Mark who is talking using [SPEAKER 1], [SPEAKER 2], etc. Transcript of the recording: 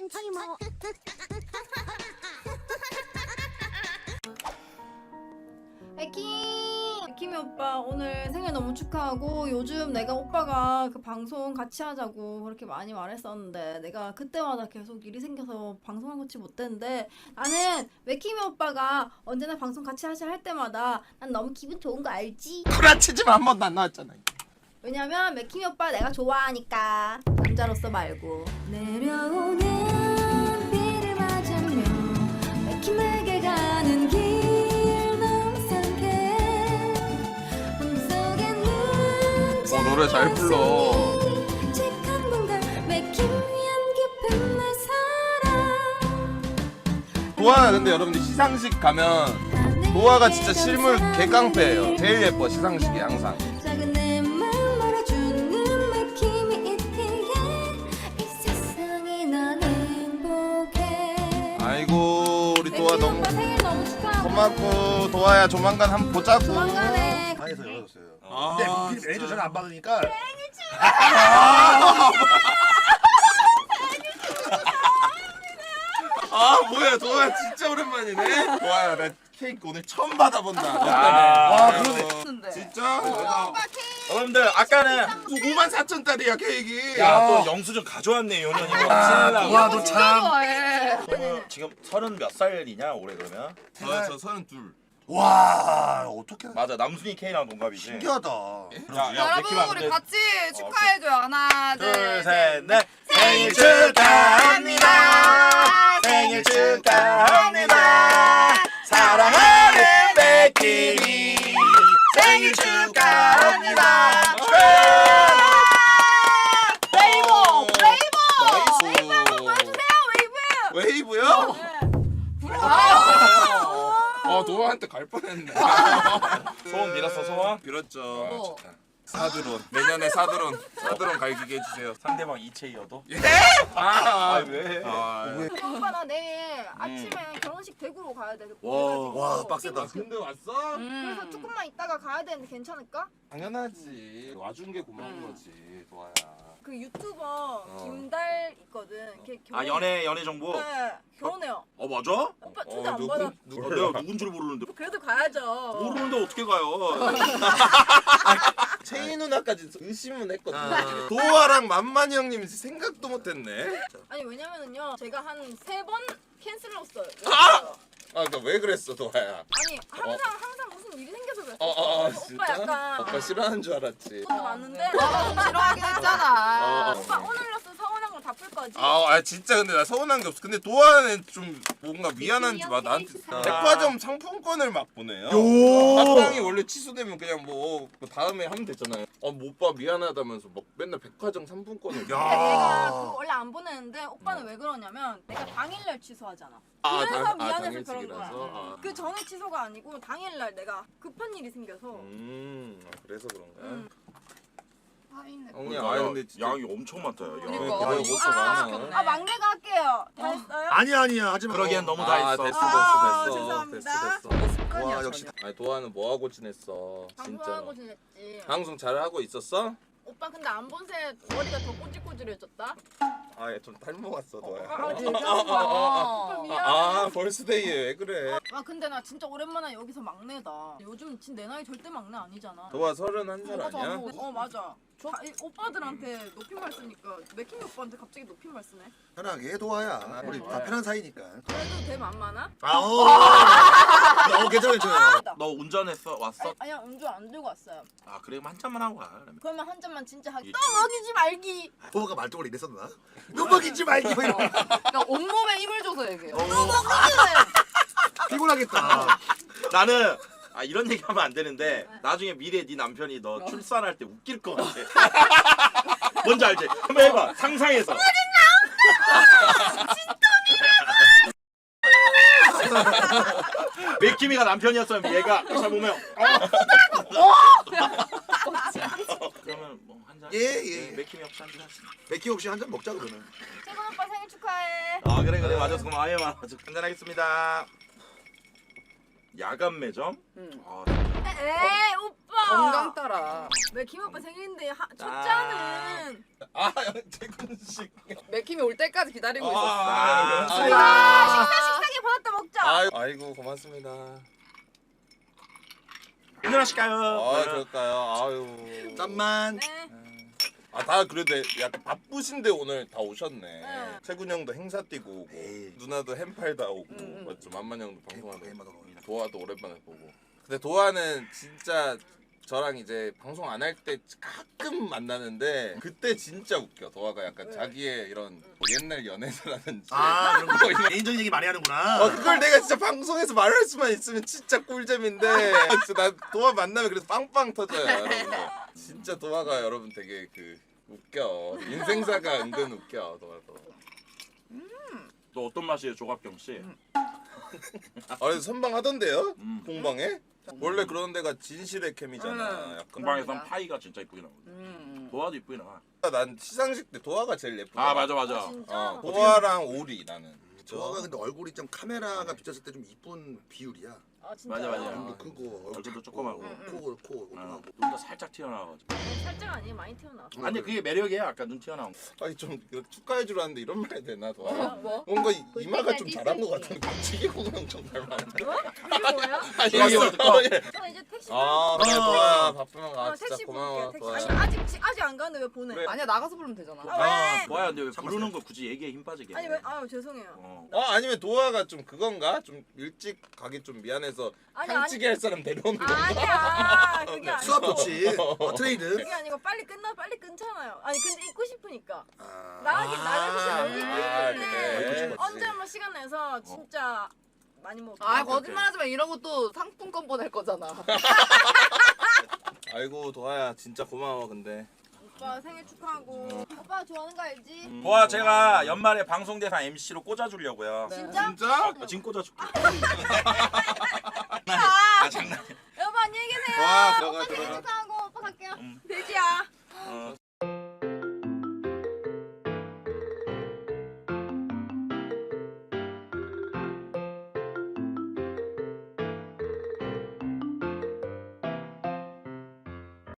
[SPEAKER 1] 천천히 먹어.
[SPEAKER 2] 에킴이 오빠 오늘 생일 너무 축하하고 요즘 내가 오빠가 그 방송 같이 하자고 그렇게 많이 말했었는데 내가 그때마다 계속 일이 생겨서 방송을 같이 못했는데 나는 에킴이 오빠가 언제나 방송 같이 하자 할 때마다 난 너무 기분 좋은 거 알지?
[SPEAKER 3] 구라치지만 한 번도 안 나왔잖아.
[SPEAKER 2] 왜냐면 맥킴이 오빠 내가 좋아하니까 남자로서 말고 내려오는 비를 맞으며 맥킴에게 가는 길
[SPEAKER 3] 노래 잘 불러. 도아 근데 여러분들 시상식 가면 도아가 진짜 실물 개깡패예요. 제일 예뻐 시상식이 항상. 아이고 우리 도아 너무 고맙고 도아야 조만간 한번 보자고.
[SPEAKER 2] 조만간에
[SPEAKER 4] 방에서 열어줬어요.
[SPEAKER 3] 아,
[SPEAKER 4] 근데 매니저 전화 안 받으니까
[SPEAKER 3] 아 뭐야 도아야 진짜 오랜만이네. 도아야 나 케이크 오늘 처음 받아본다.
[SPEAKER 4] 와 그러네.
[SPEAKER 3] 진짜? 내가
[SPEAKER 5] 여러분들 아까는
[SPEAKER 3] 54,000짜리야 케이크.
[SPEAKER 5] 야 또 영수증 가져왔네 요년이.
[SPEAKER 4] 와 너 참.
[SPEAKER 5] 지금 30 몇 살이냐 올해 그러면?
[SPEAKER 3] 저 32.
[SPEAKER 4] 와 어떻게
[SPEAKER 5] 맞아 남순이 K랑 동갑이지.
[SPEAKER 4] 신기하다.
[SPEAKER 6] 여러분 우리 같이 축하해줘요. 하나
[SPEAKER 5] 둘 셋 넷. 생일 축하합니다. 생일 축하합니다. 사랑하는 백희이 생일 축하합니다.
[SPEAKER 2] 웨이브!
[SPEAKER 3] 웨이브요? 도아한테 갈 뻔했네.
[SPEAKER 5] 소원 빌었어 소원?
[SPEAKER 3] 빌었죠. 사드론 내년에 사드론 갈기게 해주세요.
[SPEAKER 5] 상대방 이체이어도?
[SPEAKER 3] 예?
[SPEAKER 5] 아 왜?
[SPEAKER 2] 오빠 나 내일 아침에 결혼식 대구로 가야 돼.
[SPEAKER 4] 와 빡세다.
[SPEAKER 3] 근데 왔어?
[SPEAKER 2] 그래서 조금만 있다가 가야 되는데 괜찮을까?
[SPEAKER 3] 당연하지. 와준 게 고마운 거지 도아야.
[SPEAKER 2] 그 유튜버 김달 있거든. 걔
[SPEAKER 5] 아
[SPEAKER 2] 결혼...
[SPEAKER 5] 연애 정보?
[SPEAKER 2] 네, 결혼해요.
[SPEAKER 5] 어 맞아?
[SPEAKER 2] 오빠 초대 안 받아.
[SPEAKER 5] 내가 누군 줄 모르는데.
[SPEAKER 2] 그래도 가야죠.
[SPEAKER 5] 모르는데 어떻게 가요?
[SPEAKER 3] 채희 누나까지 의심은 했거든. 도아랑 만만이 형님 생각도 못했네.
[SPEAKER 2] 아니 왜냐면은요 제가 한 3번 캔슬을 했어요.
[SPEAKER 3] 그러니까 왜 그랬어 도아야?
[SPEAKER 2] 아니 항상 무슨 일이 생겨서 그랬어. 그래서
[SPEAKER 3] 진짜?
[SPEAKER 2] 오빠 약간
[SPEAKER 3] 오빠 싫어하는 줄 알았지.
[SPEAKER 2] 돈 많은데
[SPEAKER 6] 싫어하긴 했잖아.
[SPEAKER 2] 오빠 오늘로써 서운한 걸 다 풀 거지.
[SPEAKER 3] 진짜 근데 나 서운한 게 없어. 근데 도아는 좀 뭔가 미안한지 막 나한테 백화점 상품권을 막 보내요. 합방이 원래 취소되면 그냥 뭐 다음에 하면 되잖아요. 오빠 미안하다면서 막 맨날 백화점 상품권을.
[SPEAKER 2] 근데 내가 그거 원래 안 보내는데 오빠는 왜 그러냐면 내가 당일날 취소하잖아. 그래서 미안해서 그런 거야. 그 전에 취소가 아니고 당일날 내가 급한 일이 생겨서.
[SPEAKER 3] 그래서 그런 거야.
[SPEAKER 6] 파인애플.
[SPEAKER 3] 형님 근데 진짜
[SPEAKER 5] 양이 엄청 많다. 야.
[SPEAKER 6] 그러니까.
[SPEAKER 3] 이거 먹고 많아.
[SPEAKER 2] 막내가 할게요. 다 했어요?
[SPEAKER 4] 아니야 하지 마.
[SPEAKER 5] 그러기엔 너무 다 했어.
[SPEAKER 3] 됐어.
[SPEAKER 2] 죄송합니다.
[SPEAKER 4] 와 역시.
[SPEAKER 3] 아니 도아는 뭐 하고 지냈어? 진짜.
[SPEAKER 2] 방송하고 지냈지.
[SPEAKER 3] 방송 잘 하고 있었어?
[SPEAKER 2] 오빠 근데 안 본 새 머리가 더 꼬질꼬질해졌다.
[SPEAKER 3] 좀 닮아왔어 도아야.
[SPEAKER 2] 진짜? 오빠 미안해.
[SPEAKER 3] 벌스데이에 왜 그래?
[SPEAKER 2] 근데 나 진짜 오랜만에 여기서 막내다. 요즘 진짜 내 나이 절대 막내 아니잖아.
[SPEAKER 3] 도아 31살
[SPEAKER 2] 맞아.
[SPEAKER 3] 아니야?
[SPEAKER 2] 맞아. 오빠들한테 높임말 쓰니까 맥킹 오빠한테 갑자기 높임말 쓰네.
[SPEAKER 4] 편하게 도와야. 우리 다 편한 사이니까.
[SPEAKER 2] 그래도 대 만만하?
[SPEAKER 4] 괜찮아요.
[SPEAKER 5] 너 운전했어? 왔어?
[SPEAKER 2] 아니야 운전 안 들고 왔어요.
[SPEAKER 5] 아 그래 한 잔만 하고 가. 그러면.
[SPEAKER 2] 그러면 한 잔만 진짜 하기. 또 먹이지 말기.
[SPEAKER 4] 도아가 말뚝을 이랬었나? 너 먹이지 말기.
[SPEAKER 6] 그러니까 온몸에 힘을 줘서 얘기해.
[SPEAKER 2] 또 먹이지.
[SPEAKER 4] 피곤하겠다.
[SPEAKER 5] 나는 이런 얘기하면 안 되는데 나중에 미래 네 남편이 너 출산할 때 웃길 것 같아. 뭔지 알지? 한번 해봐. 상상해서. 맥키미가 남편이었으면 얘가 잘 보면 그러면 뭐 한 잔.
[SPEAKER 4] 예.
[SPEAKER 5] 맥키미 없이 한 잔 하시.
[SPEAKER 4] 맥기 혹시 한 잔 먹자 그러면.
[SPEAKER 2] 최근 오빠 생일 축하해.
[SPEAKER 5] 그래 맞았어. 그럼 아예 맞아. 한잔 하겠습니다. 야간 매점?
[SPEAKER 6] 응.
[SPEAKER 5] 아,
[SPEAKER 2] 에이 오빠.
[SPEAKER 6] 건강 따라.
[SPEAKER 2] 왜 김오빠 생일인데 첫째는
[SPEAKER 3] 아 재근식.
[SPEAKER 6] 맥힘이 올 때까지 기다리고 있었어.
[SPEAKER 2] 식사기 받았다 먹자.
[SPEAKER 3] 아이고 고맙습니다.
[SPEAKER 5] 일어나실까요?
[SPEAKER 3] 아 그럴까요? 아유.
[SPEAKER 4] 짠만.
[SPEAKER 2] 네.
[SPEAKER 3] 다 그래도 약간 바쁘신데 오늘 다 오셨네.
[SPEAKER 2] 네.
[SPEAKER 3] 채군 형도 행사 뛰고 오고
[SPEAKER 4] 에이.
[SPEAKER 3] 누나도 햄팔다 오고
[SPEAKER 6] 응.
[SPEAKER 3] 맞죠? 만만 형도 방송하고
[SPEAKER 4] 게임하다
[SPEAKER 3] 도아도 오랜만에 보고. 근데 도아는 진짜 저랑 이제 방송 안 할 때 가끔 만나는데 그때 진짜 웃겨. 도아가 약간 자기의 이런 뭐 옛날 연애사라든지
[SPEAKER 4] 아 그런 거 개인적인 얘기 많이 하는구나.
[SPEAKER 3] 그걸 내가 진짜 방송에서 말할 수만 있으면 진짜 꿀잼인데 진짜 나 도아 만나면 그래서 빵빵 터져요 여러분들. 진짜 도아가 여러분 되게 그 웃겨. 인생사가 은근 웃겨 도아도.
[SPEAKER 5] 또 어떤 맛이에요, 조갑경 씨?
[SPEAKER 3] 그래서 선방하던데요?
[SPEAKER 5] 음.
[SPEAKER 3] 공방에? 원래 그런 데가 진실의 캠이잖아. 약간.
[SPEAKER 5] 공방에선 파이가 진짜 이쁘게 나오거든. 도화도 이쁘게 나와.
[SPEAKER 3] 난 시상식 때 도아가 제일 예쁘다.
[SPEAKER 5] 아 맞아.
[SPEAKER 2] 진짜.
[SPEAKER 3] 도아랑 오리 나는.
[SPEAKER 4] 저가 근데 얼굴이 좀 카메라가 비쳤을 때 좀 이쁜 비율이야.
[SPEAKER 2] 아 진짜.
[SPEAKER 5] 맞아.
[SPEAKER 4] 눈도 크고
[SPEAKER 5] 얼굴도 조그맣고.
[SPEAKER 4] 코 오동하고.
[SPEAKER 5] 눈도 살짝 튀어나와가지고.
[SPEAKER 2] 살짝 아니에요 많이 튀어나.
[SPEAKER 5] 아니 그게 매력이야. 아까 눈 튀어나온 거.
[SPEAKER 3] 아니 좀 축하해 주라는데 이런 말 해야 되나 도아?
[SPEAKER 2] 뭐?
[SPEAKER 3] 뭔가 이마가 좀 자란 것 같은데 갑자기 공룡 좀 닮았는데.
[SPEAKER 2] 이게 뭐야?
[SPEAKER 3] 아니
[SPEAKER 5] 이게 어떡하?
[SPEAKER 2] 저 이제 택시.
[SPEAKER 3] 그래 도아 바쁘면 가. 진짜
[SPEAKER 2] 택시
[SPEAKER 3] 고마워
[SPEAKER 2] 부를게.
[SPEAKER 3] 도아.
[SPEAKER 2] 택시. 아니 아직 안 가는데 왜 보내?
[SPEAKER 3] 그래.
[SPEAKER 6] 아니야 나가서 부르면 되잖아.
[SPEAKER 2] 왜?
[SPEAKER 5] 도화야 근데 왜 부르는 거 굳이 얘기에 힘 빠지게?
[SPEAKER 2] 아니 왜? 아유 죄송해요.
[SPEAKER 3] 아니면 도아가 좀 그건가? 좀 일찍 가기 좀 미안해서
[SPEAKER 2] 아니,
[SPEAKER 3] 향찌개 할 사람 데려오는 건가?
[SPEAKER 2] 아니야 그게 아니고.
[SPEAKER 4] 수압 좋지. 트레이드.
[SPEAKER 2] 그게 아니고 빨리 끊잖아요. 아니 근데 입고 싶으니까.
[SPEAKER 4] 아.
[SPEAKER 2] 나가기 싫어. 입고
[SPEAKER 3] 그래.
[SPEAKER 2] 싶은데 언제 한번 시간 내서 진짜 많이 먹어.
[SPEAKER 6] 아 거짓말하지 마. 이런 것도 상품권 보낼 거잖아.
[SPEAKER 3] 아이고 도아야 진짜 고마워 근데.
[SPEAKER 2] 오빠 생일 축하하고. 오빠 좋아하는 거 알지?
[SPEAKER 5] 도화 제가 연말에 방송대상 MC로 꽂아주려고요.
[SPEAKER 2] 진짜?
[SPEAKER 3] 진짜?
[SPEAKER 5] 지금 꽂아줄게.
[SPEAKER 2] 아,
[SPEAKER 5] 장난.
[SPEAKER 2] 여보 안녕히 계세요.
[SPEAKER 3] 도아 들어가
[SPEAKER 2] 오빠 생일
[SPEAKER 3] 들어가.